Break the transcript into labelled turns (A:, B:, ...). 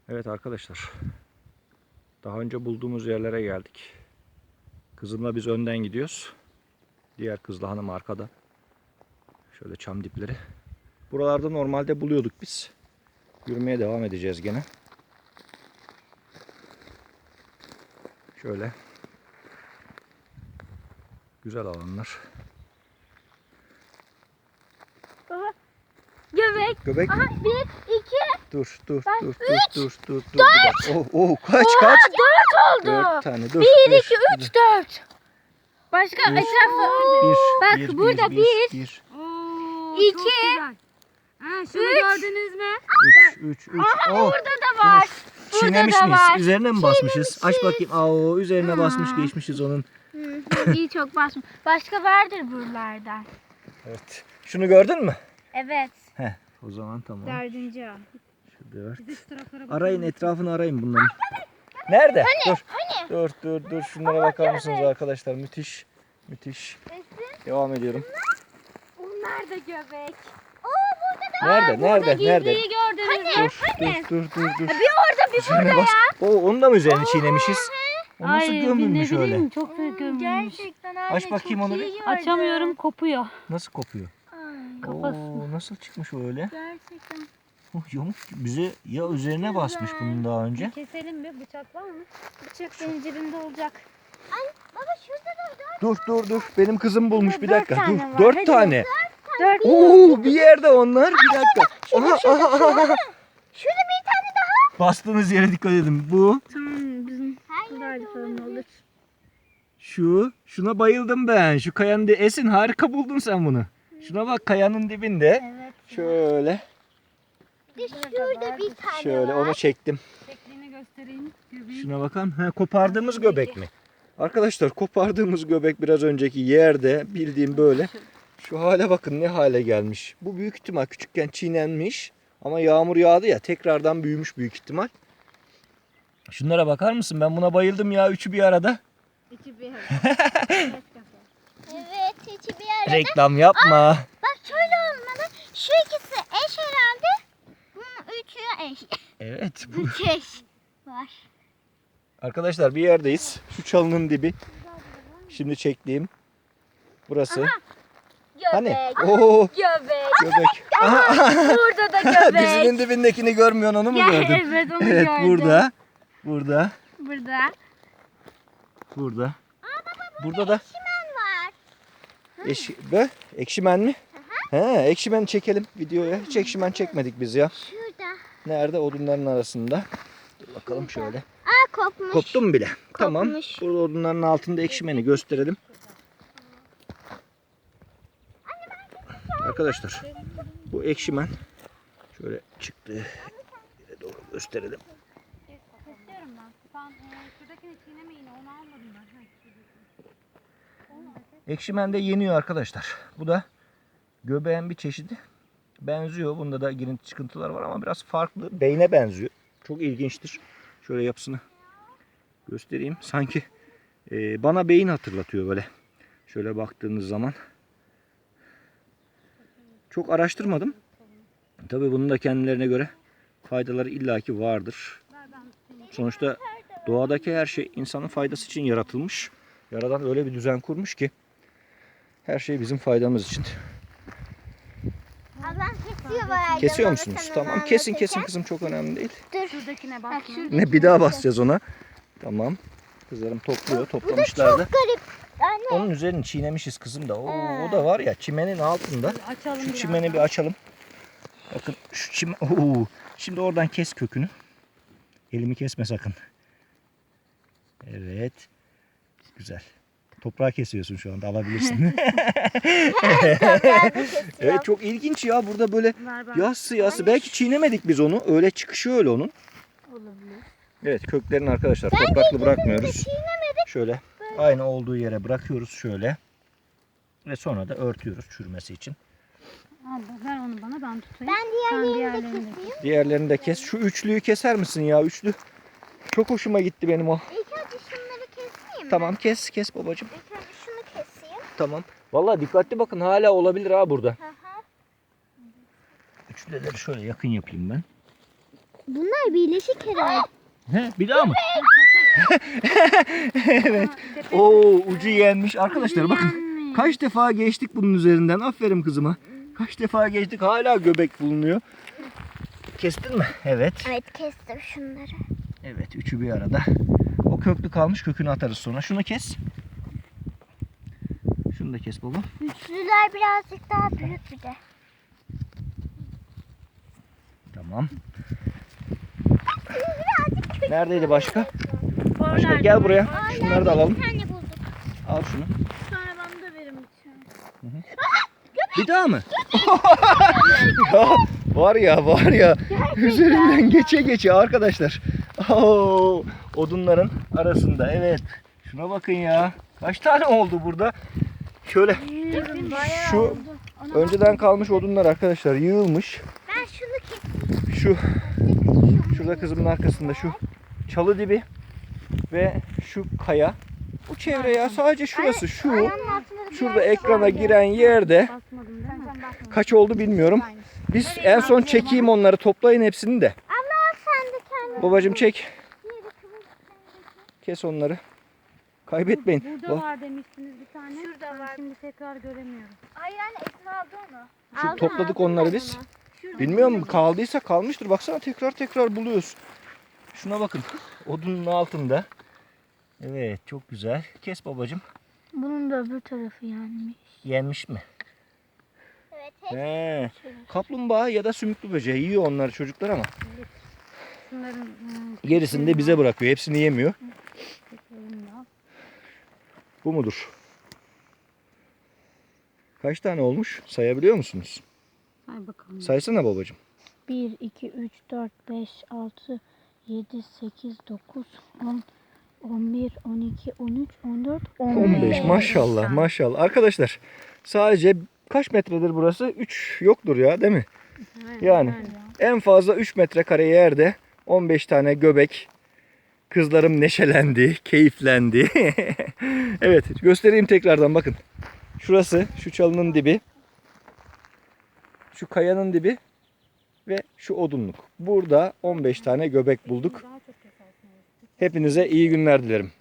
A: Evet arkadaşlar. Daha önce bulduğumuz yerlere geldik. Kızımla biz önden gidiyoruz. Diğer kızla hanım arkada. Şöyle çam dipleri. Buralarda normalde buluyorduk biz. Yürümeye devam edeceğiz gene. Şöyle. Güzel alanlar.
B: Baba. Göbek.
A: Göbek.
B: Aha, 1, 2.
A: Dur.
B: Ben
A: Bir dakika. Kaç.
B: 4 oldu.
A: 4 tane. Dur.
B: 1, 2, 3, 4. Başka
A: Bir.
B: etrafı. Bak burada 1, 2.
C: Şunu gördünüz mü?
A: 3.
B: Aha burada da var.
A: Çiğnemiş
B: da
A: miyiz?
B: var.
A: Üzerine mi basmışız? Aç bakayım. Aa, üzerine basmış geçmişiz onun.
B: İyi çok basmış. Başka vardır buralarda.
A: Evet. Şunu gördün mü?
B: Evet.
A: Heh. O zaman tamam.
B: 4.
A: Şu 4.
C: Biz şu taraflara bakalım.
A: Arayın, etrafını arayın bunların. Nerede? Dur. Şunlara bakar mısınız arkadaşlar? Müthiş. Devam ediyorum.
B: Bunlar da göbek.
A: Nerede?
B: Gizliyi gördünüz mü?
A: Dur.
B: Bir orada bir
A: Üzerine
B: burada
A: bas.
B: ya.
A: Onun da mı üzerine çiğnemişiz? O nasıl gömülmüş öyle?
C: Bileyim, çok büyük gömülmüş.
B: Gerçekten anne
A: Aç bakayım
B: çok
A: onu
B: iyi
A: bir.
B: gördüm.
C: Açamıyorum, kopuyor.
A: Nasıl kopuyor?
C: Kafası.
A: Oo, nasıl çıkmış o öyle?
B: Gerçekten.
A: Yamuk bize ya üzerine basmış bunun daha önce.
C: Keselim mi? Bıçak var mı?
B: Bıçak senin cebinde olacak. Baba şurada da
A: Dur. Benim kızım bulmuş bir
B: Dört
A: dakika.
B: tane
A: Dur.
B: var.
A: 4
B: Hadi.
A: tane.
B: 4.
A: Oo, bir yerde onlar. Bir dakika. Aha.
B: Şurada bir tane daha.
A: Bastığınız yere dikkat edin. Bu,
B: Tamam bizim buradaydı falan olur.
A: şuna bayıldım ben. Şu kayanın Esin, harika buldun sen bunu. Şuna bak, kayanın dibinde.
B: Evet.
A: Şöyle,
B: Şurada bir tane
A: şöyle
B: var.
A: onu çektim.
C: Şeklini göstereyim. Göbeği.
A: Şuna bakalım. Ha, kopardığımız göbek mi? Arkadaşlar, kopardığımız göbek biraz önceki yerde, bildiğim böyle. Şu hale bakın, ne hale gelmiş. Bu büyük ihtimal küçükken çiğnenmiş. Ama yağmur yağdı ya, tekrardan büyümüş büyük ihtimal. Şunlara bakar mısın? Ben buna bayıldım ya, üçü bir arada.
C: İki bir
B: Evet içi bir yerde.
A: Reklam yapma.
B: Bak şöyle olmalı. Şu ikisi eş herhalde. Bunun üçü eş.
A: Evet. Bu.
B: Üç eş var.
A: Arkadaşlar, bir yerdeyiz. Şu çalının dibi. Şimdi çektiğim. Burası. Hani? Oo,
B: Göbek.
A: göbek.
B: Burada da göbek.
A: Dizinin dibindekini görmüyorsun, onu mu gördün?
B: Evet onu
A: Evet,
B: gördüm.
A: burada.
B: Burada.
A: Burada da
B: Var.
A: ekşimen mi? He, ekşimen çekelim videoya. Hiç ekşimen çekmedik biz ya.
B: Şurada.
A: Nerede? Odunların arasında. Dur bakalım şöyle.
B: Aa kopmuş.
A: Koptu mu bile? Tamam.
B: Kopmuş.
A: Burada odunların altında ekşimeni gösterelim. Arkadaşlar, bu ekşimen şöyle çıktı. Yere doğru gösterelim.
C: Kesiyorum ben. Sen şuradakini çiğnemeyin. Onu almadım ben.
A: Ekşimen de yeniyor arkadaşlar. Bu da göbeğin bir çeşidi. Benziyor. Bunda da girinti çıkıntılar var ama biraz farklı. Beyne benziyor. Çok ilginçtir. Şöyle yapısını göstereyim. Sanki bana beyin hatırlatıyor böyle. Şöyle baktığınız zaman. Çok araştırmadım. Tabii bunun da kendilerine göre faydaları illaki vardır. Sonuçta doğadaki her şey insanın faydası için yaratılmış. Yaradan öyle bir düzen kurmuş ki her şey bizim faydamız için.
B: Ablam kesiyor bayağı.
A: Kesiyor musunuz? Tamam. Kesin kızım, çok önemli değil.
C: Şuradakine bak.
A: Ne, bir daha basacağız ona. Tamam. Kızlarım topluyor. Toplamışlar da.
B: Garip. Anne.
A: Onun üzerini çiğnemişiz kızım da. O da var ya, çimenin altında.
C: Açalım
A: Şu
C: biraz.
A: çimeni bir açalım. Bakın şu çimen. Oo. Şimdi oradan kes kökünü. Elimi kesme sakın. Evet. Güzel. Toprağı kesiyorsun şu anda, alabilirsin. Evet, çok ilginç ya, burada böyle yassı. Belki çiğnemedik biz onu. Öyle çıkışı öyle onun.
C: Olabilir.
A: Evet, köklerini arkadaşlar topraklı bırakmıyoruz. Şöyle aynı olduğu yere bırakıyoruz şöyle. Ve sonra da örtüyoruz çürümesi için.
C: Al, ver onu bana, ben tutayım.
B: Ben
C: Sen
B: diğerlerini de
C: diğerlerini de
B: keseyim.
A: Diğerlerini de kes. Şu üçlüyü keser misin ya? Üçlü. Çok hoşuma gitti benim o.
B: İlk önce şunları keseyim mi?
A: Tamam, kes babacığım.
B: İlk önce şunu keseyim.
A: Tamam. Vallahi dikkatli bakın, hala olabilir ha burada.
B: Hı hı.
A: Üçlüleri şöyle yakın yapayım ben.
B: Bunlar birleşik herhalde.
A: He, bir daha mı? Evet. Oo, ucu yenmiş. Arkadaşlar bakın. Kaç defa geçtik bunun üzerinden. Aferin kızıma. Kaç defa geçtik. Hala göbek bulunuyor. Kestin mi? Evet.
B: Evet kestim şunları.
A: Evet. Üçü bir arada. O köklü kalmış. Kökünü atarız sonra. Şunu kes. Şunu da kes baba.
B: Üçlüler birazcık daha büyük bir de.
A: Tamam. Neredeydi başka? Başka gel buraya. Şunları da alalım.
B: Bir tane bulduk.
A: Al şunu.
C: Sonra bana da verin lütfen.
A: Bir daha mı? Ya var ya üzerinden geçe arkadaşlar. Oo, odunların arasında evet. Şuna bakın ya. Kaç tane oldu burada? Şöyle şu önceden kalmış odunlar arkadaşlar yığılmış.
B: Ben şunu keseyim.
A: Şurada kızımın arkasında şu çalı dibi ve şu kaya. Bu çevre ya sadece şurası şu.
B: Ayağının altında bir
A: Şurada
B: yer
A: ekrana
B: var.
A: giren yerde
C: Basmadım değil mi? Sen basmadın.
A: kaç oldu bilmiyorum. Biz en son çekeyim onları toplayın hepsini de.
B: Allah sen de kendin.
A: Babacım çek. Kes onları. Kaybetmeyin.
C: Burada var demiştiniz bir tane. Şurada var. Şimdi tekrar göremiyorum.
B: Ay yani Esma aldı onu.
A: Şu topladık onları biz. Bilmiyorum kaldıysa kalmıştır. Baksana tekrar buluyoruz. Şuna bakın. Odunun altında. Evet çok güzel. Kes babacım.
B: Bunun da öbür tarafı yanmış.
A: Yenmiş mi?
B: Evet.
A: He. Kaplumbağa ya da sümüklü böceği yiyor onları çocuklar ama.
C: Şunların
A: Gerisini de bize bırakıyor. Hepsini yemiyor.
C: teklerini al.
A: Bu mudur? Kaç tane olmuş? Sayabiliyor musunuz?
C: Say bakalım.
A: Saysana babacım.
B: 1, 2, 3, 4, 5, 6, 7, 8, 9, 10, 11, 12, 13, 14,
A: 15 maşallah maşallah. Arkadaşlar sadece kaç metredir burası? 3 yoktur ya değil mi? Yani en fazla 3 metrekare yerde 15 tane göbek. Kızlarım neşelendi, keyiflendi. Evet göstereyim tekrardan bakın. Şurası şu çalının dibi. Şu kayanın dibi. Ve şu odunluk. Burada 15 tane göbek bulduk. Hepinize iyi günler dilerim.